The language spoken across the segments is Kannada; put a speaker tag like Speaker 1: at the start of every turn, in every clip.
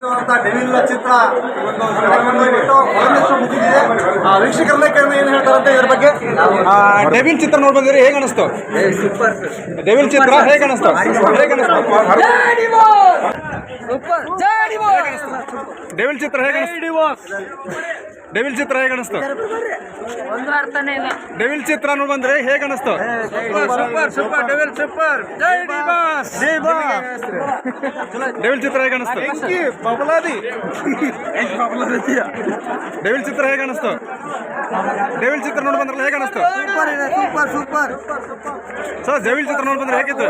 Speaker 1: ಡೆವಿಲ್ ಚಿತ್ರ ವೀಕ್ಷಕರನ್ನ ಕೇಳಿ ಏನು ಹೇಳ್ತಾರಂತೆ ಇದ್ರ ಬಗ್ಗೆ. ಡೆವಿಲ್ ಚಿತ್ರ ನೋಡಿ ಬಂದಿರಿ, ಹೇಗೆ ಅನಿಸ್ತು? ಡೆವಿಲ್ ಚಿತ್ರ ಹೇಗೆ ಅನಿಸ್ತು? ಡೆವಿಲ್ ಚಿತ್ರ ಹೇಗೆ ಡೆವಿಲ್ ಚಿತ್ರ ಹೇಗೆ ಅನಿಸ್ತು? ಡೆವಿಲ್ ಚಿತ್ರ ನೋಡಿ ಬಂದ್ರೆ ಹೇಗೆ ಅನಿಸ್ತು? ಡೆವಿಲ್ ಚಿತ್ರ ಹೇಗೆ ಅನಿಸ್ತು? ಡೆವಿಲ್ ಚಿತ್ರ ಹೇಗೆ ಅನಿಸ್ತು? ಡೆವಿಲ್ ಚಿತ್ರ ನೋಡಿ ಬಂದ್ರಲ್ಲ, ಹೇಗೆ ಅನಿಸ್ತು? ಸರ್ ಡೆವಿಲ್ ಚಿತ್ರ ನೋಡಿ ಬಂದ್ರೆ ಹೇಗಿತ್ತು?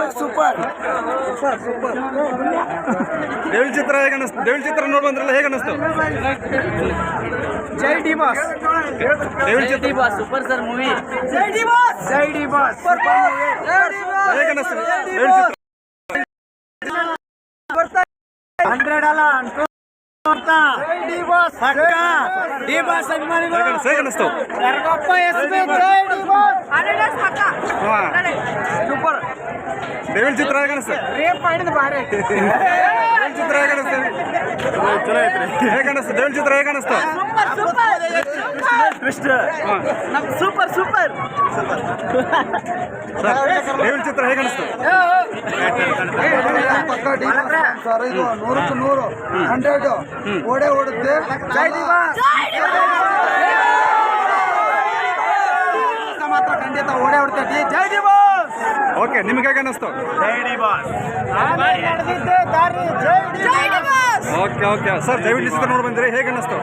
Speaker 1: ಡೆವಿಲ್ ಚಿತ್ರ ಹೇಗೆ ಅನಿಸ್ತು? ಡೆವಿಲ್ ಚಿತ್ರ ನೋಡಿ ಬಂದ್ರಲ್ಲ, ಹೇಗೆ ಅನಿಸ್ತು?
Speaker 2: ಜೈ ಡಿ ಬಾಸ್.
Speaker 1: ಡೆವಿಲ್ ಚಿತ್ರ
Speaker 2: ಸೂಪರ್ ಸರ್ ಮೂವಿ. ಜೈ ಡಿ ಬಾಸ್. ಜೈ ಡಿ ಬಾಸ್.
Speaker 1: ಹೇಗೆ ಅನಿಸ್ತು? ಡೆವಿಲ್ ಚಿತ್ರ
Speaker 2: 100 ಅಲ್ಲ ಡಿ ಬಾಸ್ ಪಕ್ಕ. ಡಿ ಬಾಸ್ ಅಭಿಮಾನಿಗಳು
Speaker 1: ಹೇಗೆ ಅನಿಸ್ತು?
Speaker 2: ಕರ್ಗಪ್ಪ ಎಸ್ಪಿ ಜೈ ಡಿ ಬಾಸ್. 100 ಪಕ್ಕ ಸೂಪರ್.
Speaker 1: ಡೆವಿಲ್ ಚಿತ್ರ ಹೇಗೆ ಅನಿಸ್ತು?
Speaker 2: ರೇಪ್ ಮಾಡಿದ ಬಾರೆ.
Speaker 1: ಡೆವಿಲ್ ಚಿತ್ರ ಹೇಗೆ ಅನಿಸ್ತು? ಚಲೋ ಐತ್ರಿ. ಹೇಗೆ ಅನಿಸ್ತು? ಡೆವಿಲ್ ಚಿತ್ರ ಹೇಗೆ ಅನಿಸ್ತು?
Speaker 2: Super super.
Speaker 1: ಡೆವಿಲ್ ಚಿತ್ರ ಹೇಗೆ ಅನಿಸ್ತು?
Speaker 3: ಸರ್ ಇದು 100ಕ್ಕೆ 100 100 ಓಡೇ ಓಡುತ್ತೆ. ಜೈ ಡಿ ಬಾಸ್. ಮಾತ್ರ ಖಂಡಿತ ಓಡೇ ಓಡ್ತೈತಿ. ಜೈ ಡಿ ಬಾಸ್.
Speaker 1: ಓಕೆ, ನಿಮ್ಗೆ ಹೇಗೆ ಅನಿಸ್ತು?
Speaker 2: ಜೈ ಡಿ ಬಾಸ್. ನಡೆದಿದ್ದೆ ದಾರಿ ಜೈ D boss.
Speaker 1: Okay okay sir, Devil ಚಿತ್ರ ನೋಡಿ ಬಂದಿರಿ, ಹೇಗೆ ಅನಿಸ್ತು?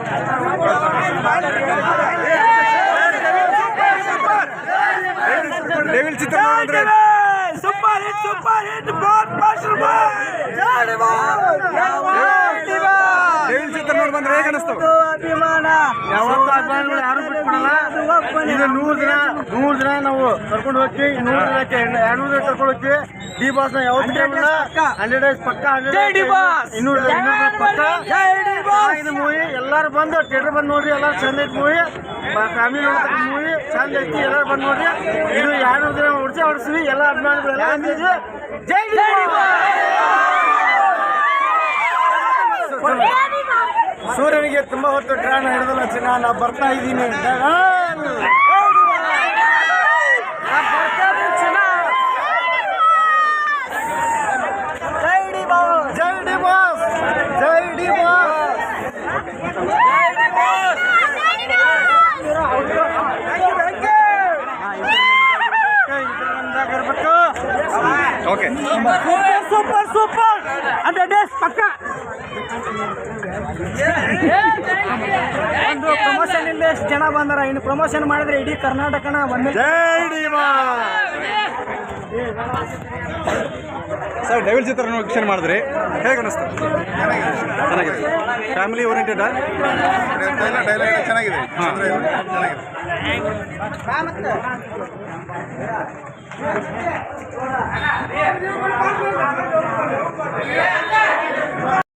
Speaker 1: ಡೆವಿಲ್ ಚಿತ್ರ ನೋಡಿದ್ರೆ
Speaker 2: super hit both master boy. ಜೈ ಡಿ ಬಾಸ್.
Speaker 1: ಡೆವಿಲ್ ಚಿತ್ರ ನೋಡಿ ಬಂದ್ರೆ ಹೇಗೆ ಅನಿಸ್ತು?
Speaker 2: ಅಭಿಮಾನ ಯಾವತ್ತೂ ಅಭಿಮಾನಿಗಳು ಯಾರು ಬಿಟ್ಕೊಡಲ್ಲ. ಇದು 100 ದಿನ ನಾವು ಕರ್ಕೊಂಡು ಹೋಗ್ತೀವಿ. 100 ದಿನಕ್ಕೆ 200 ದಿನ ಕರ್ಕೊಂಡು ಹೋಗ್ತೀವಿ. ಡಿ ಬಾಸ್ ನ ಯಾವತ್ತೂ 100 ಡೇಸ್ ಪಕ್ಕ. 200 ಪಕ್ಕ. ಇದು ಮೂವಿ ಎಲ್ಲರೂ ಬಂದು ಥಿಯೇಟರ್ ಬಂದು ನೋಡ್ರಿ. ಎಲ್ಲರೂ ಚಂದ ಐತಿ ಮೂವಿ. ಫ್ಯಾಮಿಲಿ ನೋಡ್ತಕ್ಕ ಮೂವಿ ಚಂದ ಐತಿ. ಎಲ್ಲರೂ ಬಂದು ನೋಡ್ರಿ. ಇದು 200 ದಿನ ಹೊಡ್ಸಿವಿ ಎಲ್ಲ ಅಭಿಮಾನಿಗಳು ಎಲ್ಲ. ಜೈ ಡಿ ಸೂರ್ಯನಿಗೆ ತುಂಬಾ ಹೊತ್ತು ಟ್ರಾನ್ ಹಿಡಿದಲ್ಲ ಚಿನ್ನ. ನಾ ಬರ್ತಾ ಇದ್ದೀನಿ. ಜೈ ಡಿ ಬಾಸ್. ಜೈ ಡಿ ಬಾಸ್. ಜೈ D boss.
Speaker 1: Okay
Speaker 2: super 100 days ಪಕ್ಕ. ಒಂದು ಪ್ರಮೋಷನ್ ಇಲ್ಲ, ಎಷ್ಟು ಜನ ಬಂದಾರ. ಇನ್ನು ಪ್ರಮೋಷನ್ ಮಾಡಿದ್ರೆ ಇಡೀ ಕರ್ನಾಟಕನ ಬಂದ.
Speaker 1: ಜೈ ಡಿ ಬಾಸ್. ಸರ್ ಡೆವಿಲ್ ಚಿತ್ರ ವೀಕ್ಷಣೆ ಮಾಡಿದ್ರಿ, ಹೇಗೆ ಅನಿಸ್ತು? ಚೆನ್ನಾಗಿದೆ. ಫ್ಯಾಮಿಲಿ ಓರಿಯೆಂಟೆಡ್
Speaker 3: ಚೆನ್ನಾಗಿದೆ.